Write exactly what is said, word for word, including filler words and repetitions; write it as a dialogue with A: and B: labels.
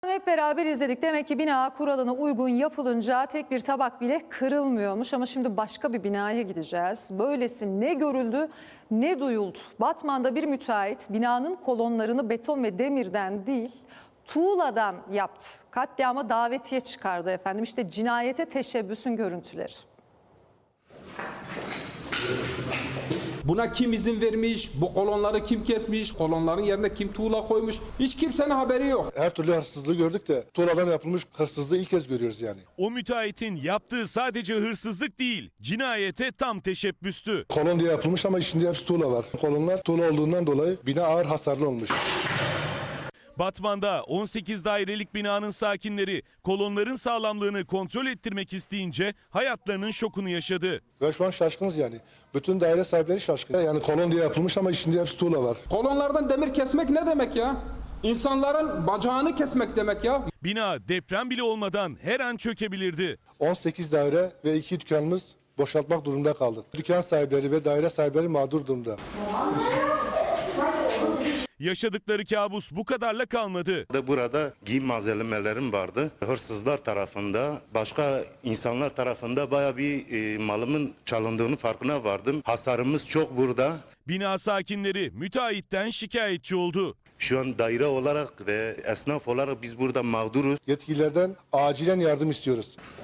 A: Hep beraber izledik. Demek ki bina kuralına uygun yapılınca tek bir tabak bile kırılmıyormuş. Ama şimdi başka bir binaya gideceğiz. Böylesi ne görüldü ne duyuldu. Batman'da bir müteahhit binanın kolonlarını beton ve demirden değil tuğladan yaptı. Katliama davetiye çıkardı efendim. İşte cinayete teşebbüsün görüntüleri.
B: Buna kim izin vermiş, bu kolonları kim kesmiş, kolonların yerine kim tuğla koymuş, hiç kimsenin haberi yok.
C: Her türlü hırsızlığı gördük de tuğladan yapılmış hırsızlığı ilk kez görüyoruz yani.
D: O müteahhitin yaptığı sadece hırsızlık değil, cinayete tam teşebbüstü.
C: Kolon diye yapılmış ama içinde hepsi tuğla var. Kolonlar tuğla olduğundan dolayı bina ağır hasarlı olmuş.
D: Batman'da on sekiz dairelik binanın sakinleri kolonların sağlamlığını kontrol ettirmek isteyince hayatlarının şokunu yaşadı.
C: Ve şu an şaşkınız yani. Bütün daire sahipleri şaşkın. Yani kolon diye yapılmış ama içinde hepsi tuğla var.
B: Kolonlardan demir kesmek ne demek ya? İnsanların bacağını kesmek demek ya.
D: Bina deprem bile olmadan her an çökebilirdi.
C: on sekiz daire ve iki dükkanımız boşaltmak durumunda kaldı. Dükkan sahipleri ve daire sahipleri mağdur durumda.
D: Yaşadıkları kabus bu kadarla kalmadı.
E: Burada giyim malzemelerim vardı. Hırsızlar tarafında, başka insanlar tarafında bayağı bir e, malımın çalındığını farkına vardım. Hasarımız çok burada.
D: Bina sakinleri müteahhitten şikayetçi oldu.
E: Şu an daire olarak ve esnaf olarak biz burada mağduruz.
C: Yetkililerden acilen yardım istiyoruz.